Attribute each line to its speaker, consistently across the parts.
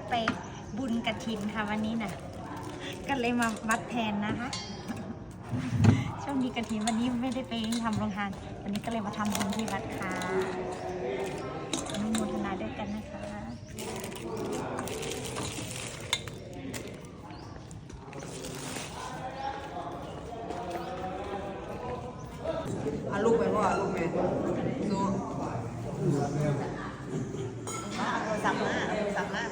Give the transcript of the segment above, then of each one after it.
Speaker 1: ไปบุญกฐินค่ะวันนี้นะก็เลยมาวัดแทนนะคะช่วงนี้กฐินวันนี้ไม่ได้ไปทำโรงทานวันนี้ก็เลยมาทำบุญที่วัดค่ะอนุโมทนาด้วยกันนะคะ
Speaker 2: ลูกไปว่าลูกไปดูสั่งมาสั่งมา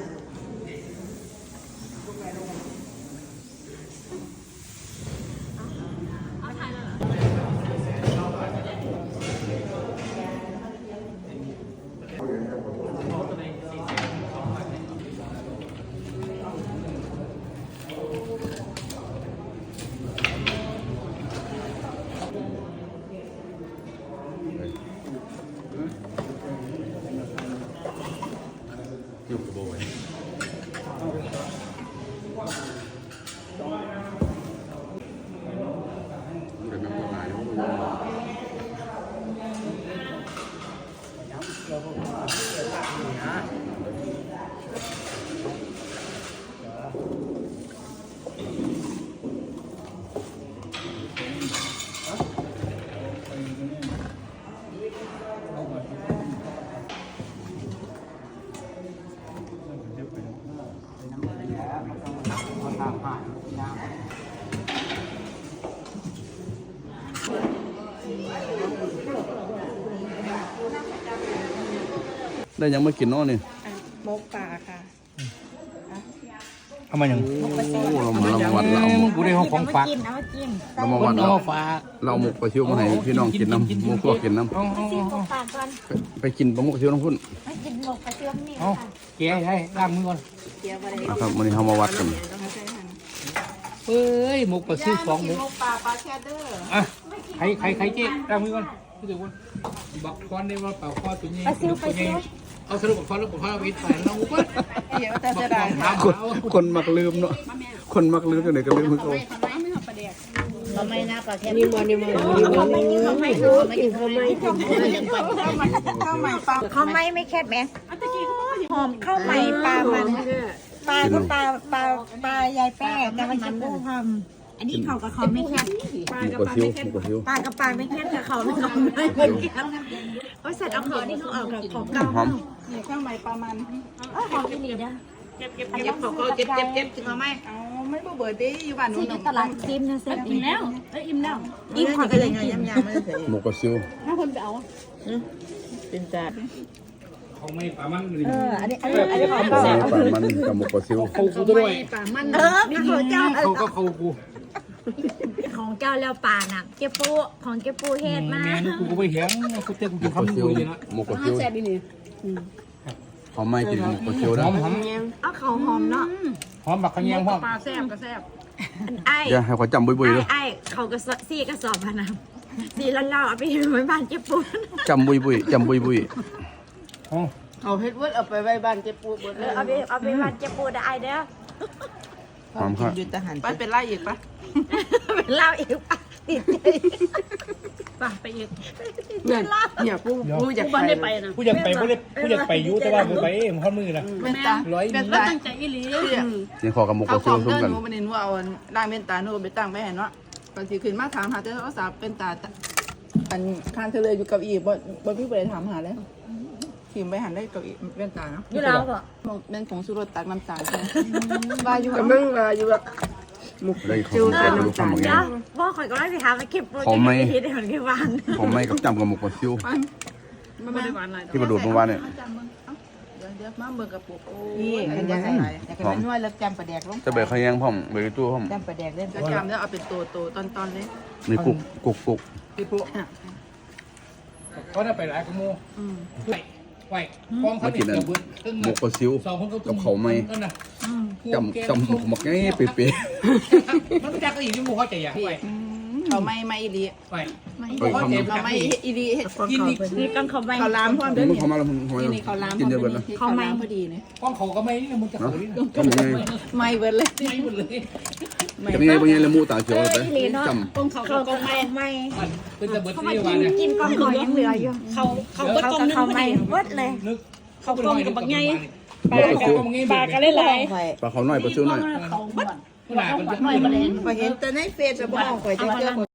Speaker 3: อยู่กับโบยเดี๋ยวมันก็มาอยู่ได้ยังไม่กินเนาะนี่
Speaker 2: มกปลาค่ะ
Speaker 4: เอามาอย่าง
Speaker 3: โอ้เราวัดเรา
Speaker 4: กูได้ของฝาก
Speaker 1: เอามากิน
Speaker 3: เรามาวัด
Speaker 4: เอา
Speaker 3: เรา
Speaker 4: มาฝาก
Speaker 3: เราหมกปลาชิวมาให้พี่น้องกินน้ำหมูพวกกินน้ำ
Speaker 4: เอา
Speaker 1: ซิมของฝากก่อน
Speaker 3: ไปกินปลาหมกชิวน้ำพุ่น
Speaker 1: มากินหมกกระเทียมนี่
Speaker 4: เอา
Speaker 1: ค่ะ
Speaker 4: แกะให้ล้างมือก่อน
Speaker 2: เกี๊ยวอะไร
Speaker 3: นะครับวันนี้เรามาวัดกัน
Speaker 4: เฮ้ยหมกปลาซิว2หมก
Speaker 2: มกปลาปลาแชดเดอร์
Speaker 4: อ่ะใครเจ๊ล้างมือก่อนพี่เดี๋ยวก่อนบักคอนได้ว่าเปล่าคอตัวนี้เอาสรุปบักคอนแล้วบักคอนเอาไปใส่ลงก่อน
Speaker 2: เดี๋ยวจะได้
Speaker 3: คนมักลืมเนาะคนมักลืมกันไหนก็ลืมมือเขา
Speaker 2: ทำไมนะปลาแชดนี่มันนี่มัน
Speaker 1: เขาไม่กินเขาไม่รู้
Speaker 2: กินทำไมข้าวใหม่ปลา
Speaker 1: เขาไม่แคบแม่หอมข้าวใหม่ปลามันปลาก็ปลายายแป้แต่มันจะปูหอมอันนี้เขากับเขาไม่แคบ
Speaker 3: หมกปลาชิวหมกปลาชิว
Speaker 1: ปลากับปลาไม่แคบแต่เขาไม่เขาไม่เหมือนกันโอ้ยสัตว์เอาเขานี่เขาเอากับของเก่า
Speaker 3: หอม
Speaker 2: ข้าวใหม่ปลามัน
Speaker 1: หอมอีหลีนะ
Speaker 2: เก็บกินมาไหมเอาไม่เบื่อดิอยู่บ้านนู้
Speaker 1: ที่
Speaker 2: น
Speaker 1: อยู่ตลาดซิมนะเซ็ตอิ่มแล้วอิ่มแล้ว
Speaker 2: อิ่มขอไปเลยไงยำไม่ได้
Speaker 3: หมกปลาชิว
Speaker 2: เป็นจ่า
Speaker 4: เขาไม่ปลามันเลย
Speaker 1: อันนี้ของ
Speaker 3: ปลา
Speaker 1: เก่า
Speaker 3: มันกับหมกปลาชิว
Speaker 4: เขากูด้วย
Speaker 1: ของเจ้า
Speaker 4: เขาก็เขากู
Speaker 1: ของเจ้าแล้วป่าน่ะเก็บปูของเก็บปูเฮ็ดมา
Speaker 4: แม่นี่กูก็ไปเห็นกูเต้นกู
Speaker 3: หม
Speaker 4: กิน
Speaker 3: กปลา
Speaker 4: คำ
Speaker 3: ชิ
Speaker 4: กู
Speaker 3: ว
Speaker 4: เลยนะ
Speaker 3: หมกปลาชิวเขาไม่กินหมกปลาชิว
Speaker 4: ห
Speaker 3: นะ
Speaker 4: อม
Speaker 1: เอาเขาหอมเนาะ
Speaker 4: หอมบักขะแยงพ่อ
Speaker 2: ปลาแซ่บก็แซ่บ
Speaker 1: ไอ้
Speaker 3: อย่าให้เขาจำบุยๆเลย
Speaker 1: ไอ้เขาก็ซี่กระสอบพะนะซี่แล้วเราเอาไปไว้บ้านเก็บปู
Speaker 3: จำบุยๆจำบุย
Speaker 2: เอาเฮ็ดเวิร์ดเอาไปไว้บ้านเจ็บปวดหมดเลย
Speaker 1: เอาไปบ้านเก็บปูได้เด้อ
Speaker 3: ๆหอมครับ
Speaker 2: ยืนทหารไปเป็นไล่อีกปะ
Speaker 1: เป็นเล่าอีกป่ะติดใจ
Speaker 2: ป่ะไปอีกเนี่ยกูอยากไปนะ
Speaker 4: กูอยากไปยุ่แต่ว่ากูไปเองข้อมือนะ
Speaker 2: เป็นตาเป็นตาตั้งใจอีหลี
Speaker 3: ยังขอกับหมกป
Speaker 2: เขา
Speaker 3: ลา
Speaker 2: ข
Speaker 3: ชิ
Speaker 2: อ
Speaker 3: ว
Speaker 2: ง
Speaker 3: ซุ้ม
Speaker 2: เดิน
Speaker 3: กัน
Speaker 2: หนูมันเห็นว่าเอาด่างเป็นตาหนูไปตั้งไปเห็นว่าตอนที่ขึ้นมาถามหาเจ้าสาวเป็นตาอันข้างเธอเลยอยู่กับอีบ่พี่ไปถามหาเลยทีมไปหันได้กับอีเป็นตาเนาะ
Speaker 1: อยู่แล้วบ่
Speaker 2: เป็นผงชูรสตักน้ำตาลว่าอยู่กับมึงว่าอยู่แบบ
Speaker 3: เลยเขาไม่รู้คำบางอ
Speaker 1: เดี๋ย
Speaker 3: ย่าง
Speaker 1: วบ่ข่อยก็เลยไปหาไปเก็บปู
Speaker 3: เขาไม่
Speaker 1: ที่ได้เหมือนกันวาน
Speaker 3: เขาไม่กับจำกับหมกปลาชิว
Speaker 2: มันไม่ได้หวานอะไร
Speaker 3: ที่ประดูดเมื่อวานเนี่ย
Speaker 2: เดี๋ยวมาเบิกกับปุกนี่กันยังไงแต่กันนวดแล้วจำประแดกลง
Speaker 3: จะเบรกเขายังพ่อมเบรกตู้พ่อม
Speaker 2: จำประแดกเล่นจะจำแล้วเอาเป็นตัวตอนเลย
Speaker 3: นี่กุก
Speaker 4: ที่พวกเขาได้ไปหลายกโมไหวกองเขา
Speaker 3: มากินอันหมกปลาซิวกับเขาไม่จำหมกหมกง่ายเป๊ะ
Speaker 4: มันไม่ได้ก็อีกที่มูเขาใจอยากไหว
Speaker 2: เขาไม่อีลี
Speaker 4: ไหว
Speaker 2: เขาไม่อีลีกิน
Speaker 1: นี่กังเขาไม่
Speaker 2: เขาล้ามพร้อม
Speaker 3: ๆ
Speaker 2: เด้อ
Speaker 3: มึง
Speaker 2: เนี่ย
Speaker 3: เขามาแล้วมึงเขา
Speaker 2: นี่เขาล้าม
Speaker 3: กินเยอะเบิดนะ
Speaker 2: เขาล้ามพอดีเนี่ย
Speaker 4: กองเขาก็ไม่มึงจะเขาดิ
Speaker 3: ทำยังไง
Speaker 2: ไม่เบิดเลย
Speaker 4: ไม่หมดเลย
Speaker 3: ทำยังไงบางอย่างละมูตาเขียวไป จำ
Speaker 1: เขาก็ไม่
Speaker 4: เป็นตะเบิด
Speaker 1: เขา
Speaker 4: ที่
Speaker 1: มา
Speaker 4: วันเนี่ย
Speaker 1: กินกองหอยยังเหลืออยู่เขาก็ไม่วัดเลย
Speaker 4: นึกเขากองกับบักไง
Speaker 3: ปลาซิว
Speaker 1: ปลากันเล่นไร
Speaker 3: ปลาเขาหน่อยปลาซิวหน่อย
Speaker 4: หลามันจะไม่
Speaker 2: พอเห็นแต่ในเฟซจะบ้องข่อยจะเจอ